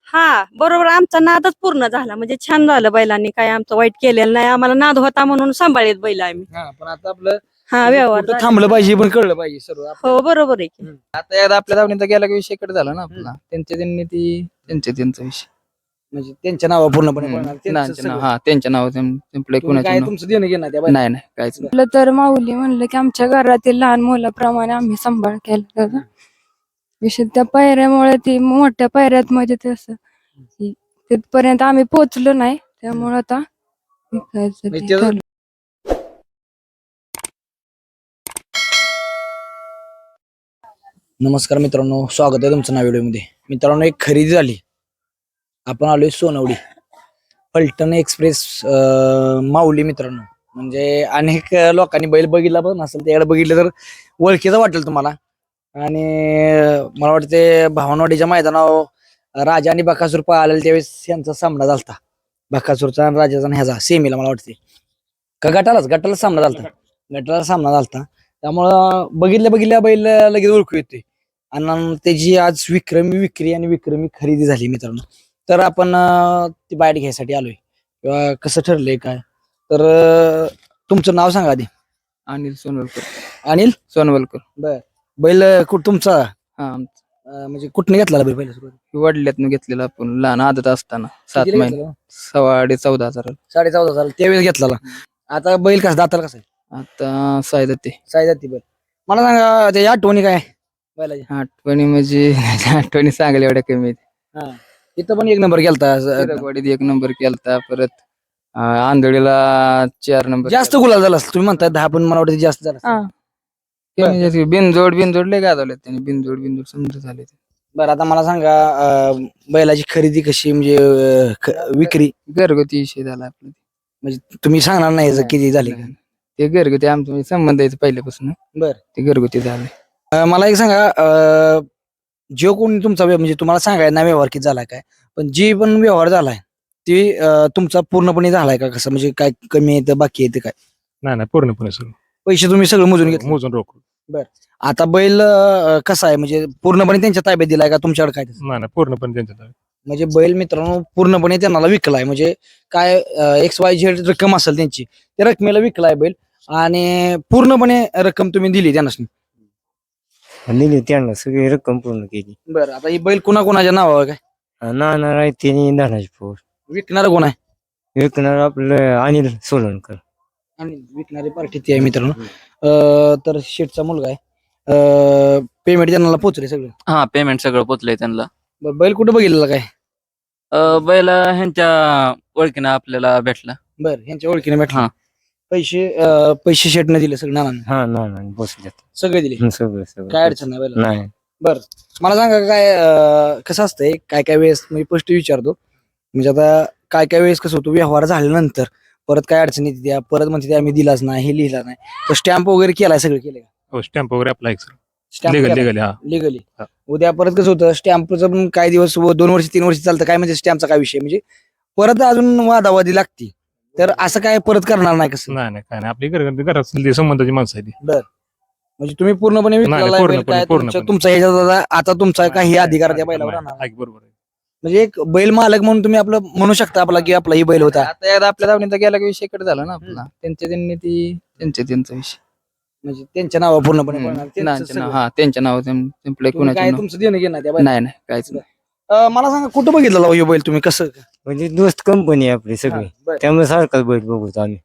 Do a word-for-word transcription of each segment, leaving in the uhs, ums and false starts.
हा बरोबर आमचा नादच पूर्ण झाला म्हणजे छान झालं बैलांनी काय आमचं वाईट केलेलं नाही आम्हाला नाद होता म्हणून सांभाळीत बैल आम्ही हा पण आता आपलं हा म्हणजे व्यवहार कुठं झाले. थांबलं पाहिजे पण कळलं पाहिजे सर्व आपल्याला. हो बरोबर आहे की. हम्म. आता एकदा आपल्या धावणीचा गेला की विषय कडे झाला ना आपला त्यांच्या त्यांनी ती त्यांच्या त्यांचा विषय म्हणजे त्यांच्या नावा पूर्णपणे हम्म. पळणार, त्यांचं नांच्या नाव- सगळं. हा त्यांच्या नाव संपले तुम्ही कोणाच्या काय नाव तुमचं देणं घेणं त्या बैलाला? नाही नाही काहीच नाही म्हटलं तर माऊली म्हणलं की आमच्या घरातील लहान मुलाप्रमाणे आम्ही सांभाळ केला त्याचा. विशेष त्या पायऱ्यामुळे ती मोठ्या पायऱ्यात मध्ये तसं की तिथपर्यंत आम्ही पोहोचलो नाही त्यामुळे आता विकायचं ते म्हणजे त्याचं- ठरलं. नमस्कार मित्रांनो, स्वागत आहे तुमचं नव्या व्हिडिओमध्ये. मित्रांनो, एक खरेदी झाली. आपण आलोय सोनवडी पलटण एक्सप्रेस अं, माऊली. मित्रांनो म्हणजे अनेक लोकांनी बैल बघितला पण असेल, त्याकडे बघितलं तर ओळखीचं वाटेल तुम्हाला. आणि मला वाटते भावनवाडीच्या मैदानावर राजा आणि बकासूर पळालेला त्यावेळेस यांचा सामना झालता, बकासूरचा आणि राजाचा आणि ह्याचा सेमीला मला वाटते का गटालाच गटाला सामना झालता गटाला सामना झालता त्यामुळं बघितल्या बघितल्या बैल लगेच ओळखू येते. आणि त्याची आज विक्रमी विक्री आणि विक्रमी खरेदी झाली मित्रांनो. तर आपण अं, ती बाईट घ्यायसाठी आलोय किंवा कसं ठरलंय काय तर अं, तुमचं नाव सांगा आधी. अनिल सोनवलकर अनिल सोनवलकर बर. बैल कुठ तुमचा हा अं, म्हणजे कुठने घेतला बैल पहिल्या सुरुवातीला? वडल्यातनं घेतलेला आपण लहान आदत असताना सात कितीला महिने घेतला? सव्वा चौदा हजार साडे चौदा झाला त्यावेळेस घेतला. आता बैल कसा दाताला कसा आहे? आता सायदा ते साई जाती बैल. मला सांगा त्याच्या आठवणी काय बैलाच्या? आठवणी म्हणजे आठवणी सांगायला एवढ्या कमी आहेत. हा इथं पण एक नंबर केलता. हिरकवाडीत एक नंबर केलता परत अं, आंधळीला चार नंबर जास्त गुलाल झाला असेल. तुम्ही म्हणताय दहा, पण मला वाटतं जास्त झाला असेल. केला. बिनजोड बिनजोड लय गाजवले त्यांनी बिनजोड बिनजोड समजा झाले ते. बरं आता मला सांगा अं, बैलाची खरेदी कशी म्हणजे अं, ख- विक्री घरगुती विषय झाला आपला म्हणजे तुम्ही सांगणार नाही याचं किती झाली का? ते घरगुती आमचं म्हणजे संबंध आहे पहिल्यापासून बर. ते घरगुती झाले. अं, मला एक सांगा अं, जो कोणी तुमचा व्य- म्हणजे तुम्हाला सांगाय ना व्यवहार किती झालाय काय, पण जी पण व्यवहार झालाय ती अं, तुमचा पूर्णपणे झालाय का कसं म्हणजे काय कमी येतं बाकी येतं काय? नाही नाही पूर्णपणे सगळं पैसे तुम्ही सगळं मोजून घेतले? मोजून रोख. आता बैल अं, कसा आहे म्हणजे पूर्णपणे त्यांच्या ताब्यात दिलाय का तुमच्याकडे काय तसं? नाही नाही पूर्णपणे त्यांच्या ताब्यात. म्हणजे बैल मित्रांनो पूर्णपणे त्यांना विकलाय म्हणजे काय एक्स वाय झेड रक्कम असेल त्यांची त्या रकमेला विकलाय बैल आणि पूर्णपणे रक्कम तुम्ही दिली त्यांना. दिली त्यांना सगळी रक्कम पूर्ण केली. बरं आता ही बैल कुणा कुणाच्या नावावर काय नाना रायतेनी धनाजी पोर विकणार कोण आहे? विकणार आपलं अनिल सोलनकर. आणि विकणारी पार्टी ती आहे मित्रांनो. अं, तर शेठचा मुलगा आहे. पेमेंट त्यांना पोहोचले सगळं. हा पेमेंट सगळं पोचलंय त्यांना. बरं, बैल कुठं बघितलेला काय? अं, बैल ह्यांच्या ओळखीनं आपल्याला भेटला. बरं, यांच्या ओळखीने भेटला. हा. पैसे अं, पैसे शेटने दिले सगळे नानांनी हा नाना बसल्यात सगळे दिले. सगळं सगळं काय अडचण नाही बैलाला. नाही. मला सांगा काय अं, कसं असतंय काय काय वेळेस मी स्पष्ट विचारतो म्हणजे आता काय काय वेळेस कसं होतं व्यवहार झाल्यानंतर परत काय अडचणी येते त्या परत म्हणते ते आम्ही दिलाच नाही हे लिहिला नाही तर स्टॅम्प वगैरे केलाय सगळं केलंय का? हो स्टॅम्प वगैरे आपला एक स्टॅम्प लिगल लिगल हा लिगली. हा. उद्या परत कसं होतं स्टॅम्पचं पण काही दिवस व दोन वर्ष तीन वर्ष चालतं काय म्हणजे स्टॅम्पचा काय विषय म्हणजे परत अजून वादावादी लागती तर असं काय परत करणार नाही कसं? नाही नाही काय नाही आपली घर घरात ती संबंधाची माणसं आहे ती. म्हणजे तुम्ही पूर्णपणे नाही, विकलेला आहे बैल पूर्णपणे, काय तुमच्या- पूर्णपणे. तुमचा ह्याच्यात आता- आता तुमचा काही अधिकार त्या बैलावर नाही, राहणार नाही, बरोबर आहे. म्हणजे एक बैल मालक म्हणून तुम्ही आपलं म्हणू शकता आपला की आपला ही बैल होता. आता एकदा आपल्या धावणीचा गेला की विषय कडे झाला ना आपला त्यांच्या त्यांनी ती त्यांच्या त्यांचा विषय म्हणजे त्यांच्या नावा पूर्णपणे हम्म. पळणार. त्यांचं नानांच्या नाव- सगळं. हा त्यांच्या नाव संपले तुम्ही कोणाच्या काय नाव तुमचं देणं घेणं त्या बैलाला? नाही नाही काहीच नाही. अं, मला सांगा कुठं बघितलं हो हे बैल तुम्ही कसं? म्हणजे दोस्त कंपनी आहे आपली सगळी बरं. त्यामुळे सारखाच बैठ बघतो आम्ही.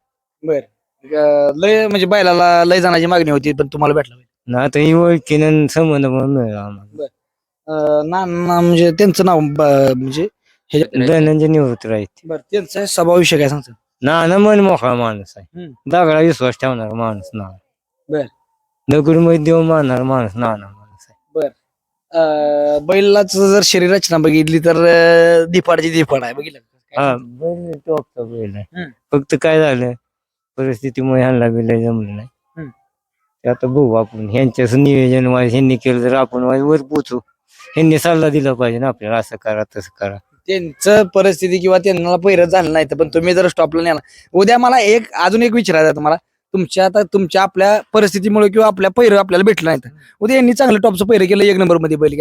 अं, लय म्हणजे बैलाला लय जाण्याची मागणी होती पण तुम्हाला भेटला बैल. ना आता ही ओळखीनं संबंध म्हणून मिळाला आम्हाला. अं, ना ना म्हणजे त्यांचं नाव ब- म्हणजे धनंजय निवृत्त राहते. बरं त्यांचा स्वभाव विषय काय सांगतो? नाना मन मोकळा माणूस आहे. हम्म. दगडा विश्वास ठेवणारा माणूस नाना. बर. दगड मध्ये देव मानणारा माणूस नाना माणूस आहे. अं, बैलाच जर शरीर रचना बघितली तर अं, दिपाडची दिपाड आहे बघितलं का? काय हा सांगतो? बैल टॉपचा बैल आहे. हम्म. फक्त काय झालं परिस्थितीमुळे ह्यांना बिल जमलं नाही. हम्म. ते आता बघू आपण ह्यांच्याच नियोजन वाईज ह्यांनी केलं तर आपण वाईज वर पोचू. ह्यांनी सल्ला दिला पाहिजे ना आपल्याला असं करा तसं करा. त्यांचं परिस्थिती किंवा त्यांना पहिरत झालं नाही तर पण तुम्ही जर स्टॉपला नेला उद्या मला एक अजून एक विचारायचं आहे तुम्हाला तुमच्या आता तुमच्या आपल्या परिस्थितीमुळे किंवा आपल्या पहिरं आपल्याला भेटलं नाही तर उद्या यांनी चांगलं टॉपचं पहिरं केलं एक नंबर मध्ये बैल गेला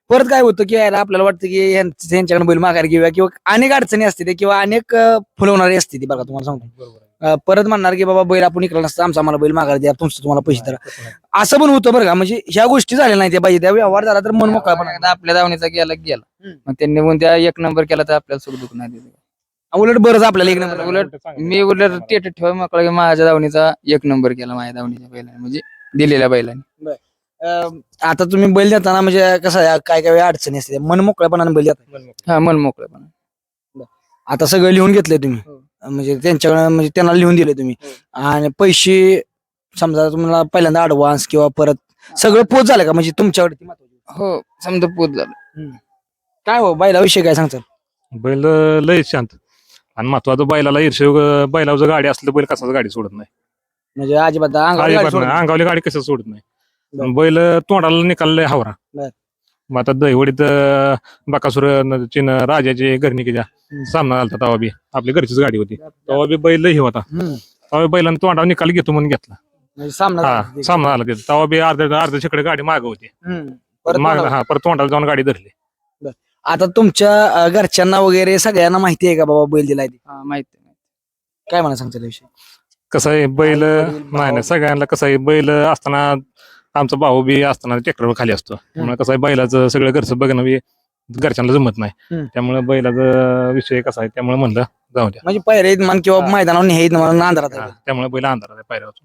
परत काय होतं की यायला आपल्याला वाटतं की यांच- यांच्याकडे बैल माघार घेऊया किंवा अनेक अडचणी असते ते किंवा अनेक अं, फुलवणारी असते ती बघा तुम्हाला सांगतो अं, परत म्हणणार की बाबा बैल आपण इकडे नसतं आमचा आम्हाला बैल माघार द्या तुमचं तुम्हाला पैसे द्या असं पण होतं बरं का म्हणजे ह्या गोष्टी झाल्या नाही त्या पाहिजे त्या व्यवहार झाला तर मन मोकळा पण एकदा आपल्या दावणीचा गेला की गेला हम्म. मग त्यांनी पण त्या एक नंबर केला तर आपल्याला सुख दुःख नाही दिलं. उलट बरंच आपल्याला एक नंबर उलट मी उलट टेट ठेवा मोकळा की माझ्या दावणीचा एक नंबर केला माझ्या दावणीच्या बैलाने म्हणजे दिलेल्या बैलाने. अं, आता तुम्ही बैल देताना म्हणजे कसं आहे, काय काय वेळा अडचणी असते मन मोकळ्यापणाने बैल देता हा मन मोकळं पण आता सगळं लिहून घेतलंय तुम्ही हो. म्हणजे त्यांच्याकडे म्हणजे त्यांना लिहून दिले तुम्ही आणि पैसे समजा तुम्हाला पहिल्यांदा ऍडव्हान्स किंवा परत सगळं पोच झालं का म्हणजे तुमच्याकडे ती महत्वाची गोष्ट. हो समजा पूत झालं. काय हो बैलाविषयी काय सांगतात बैल लय शांत आणि महत्वाचं बैलाला ईर्ष्य बैलावर जर गाडी असली तर बैल कसाच गाडी सोडत नाही. म्हणजे अजिबात अंगावर गाडी अजिबात सोडत नाही. नाही. अंगावली गाडी कसं सोडत नाही बर. आणि बैल तोंडाला निकाललंय हावरा. बर. मग आता दहीवडीत अं, बकासूर न- चिन राजाचे घरणिकीच्या हम्म. सामना झाला तेव्हा बी आपली घरचीच गाडी होती तेव्हा बी बैल हे होता हम्म. तेव्हा बैलांना तोंडावर निकाल घेतो म्हणून घेतला. म्हणजे सामना हा झाला. सामना झाला तिथं तेव्हा बी अर्ध्या अर्ध्या शेकडे गाडी माग होती हम्म. परत माग मला- हा परत तोंडाला जाऊन गाडी धरली. आता तुमच्या अं, घरच्यांना वगैरे सगळ्यांना माहिती आहे का बाबा बैल दिलाय ते? हा माहिती आहे. काय म्हणा सांगता विषयी कसं आहे बैल आई, वडील, भाऊ. नाही नाही सगळ्यांना कसं आहे बैल असताना आमचा भाऊ बी असताना ट्रॅक्टरवर खाली असतो त्यामुळे कसं आहे बैलाचं सगळं घरचं बघणं बी घरच्यांना जमत नाही हम्म. त्यामुळे बैलाचा विषय कसा आहे त्यामुळे म्हणलं जाऊ द्या. म्हणजे पैरे म्हण किंवा हा. मैदानावर न्यायत म्हणा नांदरात हा, त्यामुळे बैल अंधारात आहे पायऱ्यावर.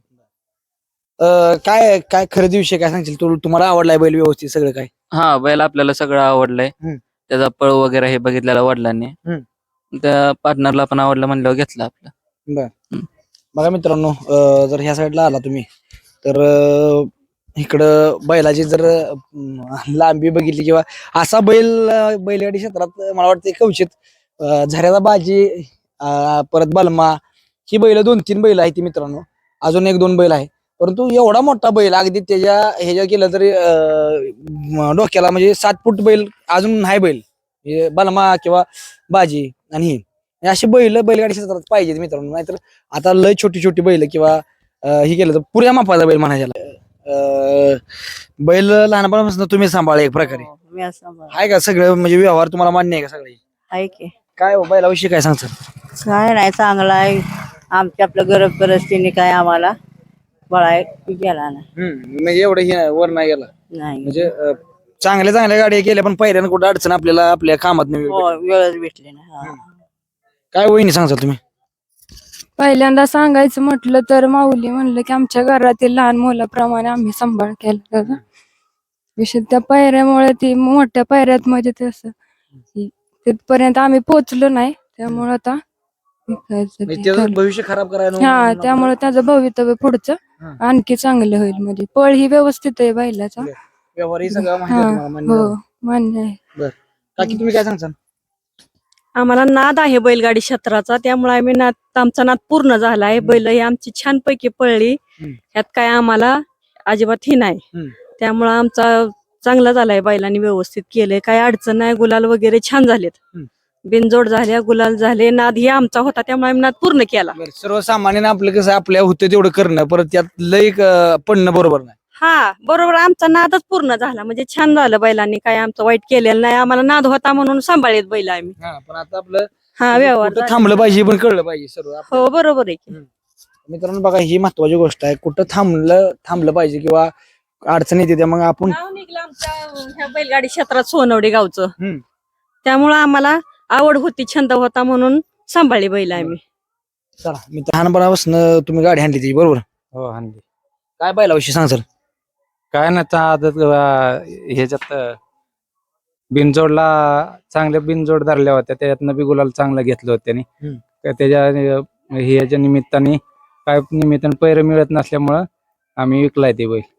अं, काय काय खरेदी विषय काय सांगशील तू तुम्हाला आवडलाय बैल व्यवस्थित सगळं काय हा बैल आपल्याला सगळं आवडलंय हम्म. त्याचा पळ वगैरे हे बघितलेला वडिलांनी त्या पार्टनरला पण आवडलं म्हणल्यावर घेतलं आपलं. बघा मित्रांनो अं, जर ह्या साईडला आला तुम्ही तर अं, इकडं बैलाची जर अं, लांबी बघितली किंवा असा बैल अं, बैलगाडी क्षेत्रात मला वाटतं कवचित अं, झऱ्याचा बाजी अं, परत बलमा ही बैल दोन तीन बैल आहेत ती मित्रांनो अजून एक दोन बैल आहे परंतु एवढा मोठा बैल अगदी त्याच्या ह्याच्या केलं तरी अं, म, डोक्याला म्हणजे सात फूट बैल अजून नाही बैल हे बलमा किंवा बाजी आणि ही हे अशी बैल बैलगाडी क्षेत्रात पाहिजेत मित्रांनो नाहीतर आता लय छोटी छोटी बैल किंवा अं, ही केलं तर पुऱ्या मापाचा बैल म्हणायला अं, बैल लहानपणापासून तुम्ही सांभाळ एक प्रकारे मी असं बघ- आहे का सगळं म्हणजे व्यवहार तुम्हाला मान्य आहे का सगळे आहे की काय हो बैलाविषयी काय सांगतात काय नाही चांगला आहे आमच्या आपलं गरज परिस्थितीने काय आम्हाला बळाय गेला ना म्हणजे एवढं हे वर नाही गेला नाही म्हणजे अं, चांगल्या चांगल्या गाड्या केल्या पण पहिल्यानं कुठं अडचण आपल्याला आपल्या कामात नाही हो वेळच भेटली ना हा. काय वहिनी सांगताल तुम्ही पहिल्यांदा सांगायचं म्हटलं तर माऊली म्हणलं की आमच्या घरातील लहान मुलाप्रमाणे आम्ही सांभाळ केला त्याचा. विशेष त्या पायऱ्यामुळे ती मोठ्या पायऱ्यात म्हणजे तसं ती- तिथपर्यंत आम्ही पोचलो नाही त्यामुळे आता विकायचं म्हणजे ते त्याचं ठरलं. भविष्य खराब करायला हा त्यामुळे त्याचं भवितव्य पुढचं हा. आणखी चांगलं होईल म्हणजे पळ ही व्यवस्थित आहे बैलाचा. व्यवहारही सगळं माहिती हा आहे तुम्हाला, मान्य हो आहे. मान्य आहे. काकी तुम्ही काय सांगता आम्हाला नाद आहे बैलगाडी क्षेत्राचा त्यामुळे आम्ही नाद आमचा नाद पूर्ण झाला आहे बैल ही आमची छानपैकी पळली हम्म. ह्यात काय आम्हाला अजिबात ही नाही हम्म. त्यामुळे आमचा चांगला झालाय बैलांनी व्यवस्थित केलंय काय अडचण नाही गुलाल वगैरे छान झालेत हम्म. बिनजोड झाल्या गुलाल झाले नाद ही आमचा होता त्यामुळे आम्ही नाद पूर्ण केला बरं, सर्वसामान्यानं आपलं कसं आपल्या होतं तेवढं करणं परत त्यात लय अं, पडणं बरोबर नाही हा बरोबर आमचा नादच पूर्ण झाला म्हणजे छान झालं बैलांनी काय आमचं वाईट केलेलं नाही आम्हाला नाद होता म्हणून सांभाळीत बैल आम्ही हा, पण आता आपलं हा व्यवहार कुठं झाला. थांबलं पाहिजे पण कळलं पाहिजे सर्व हो बरोबर आहे की. मित्रांनो बघा ही महत्वाची गोष्ट आहे कुठं थांबलं थांबलं पाहिजे किंवा अडचण येते त्या मग आपण नाव निघलं आमच्या ह्या बैलगाडी क्षेत्रात सोनवडी गावचं हम्म. त्यामुळं आम्हाला आवड होती छंद होता म्हणून सांभाळली बैल आम्ही चला मी लहानपणापासून तुम्ही गाडी आणली ती बरोबर हो हानली. काय बैलाविषयी सांगचाल काय नाही त्या आदत अं, ह्याच्यात अं, बिनजोडला चांगल्या बिनजोड धरल्या होत्या त्याच्यातनं बी गुलाल चांगलं घेतलं होतं त्यांनी हम्म. तर त्याच्या अं, ह्याच्या निमित्ताने काय निमित्ताने पैर मिळत नसल्यामुळं आम्ही विकलाय ते बैल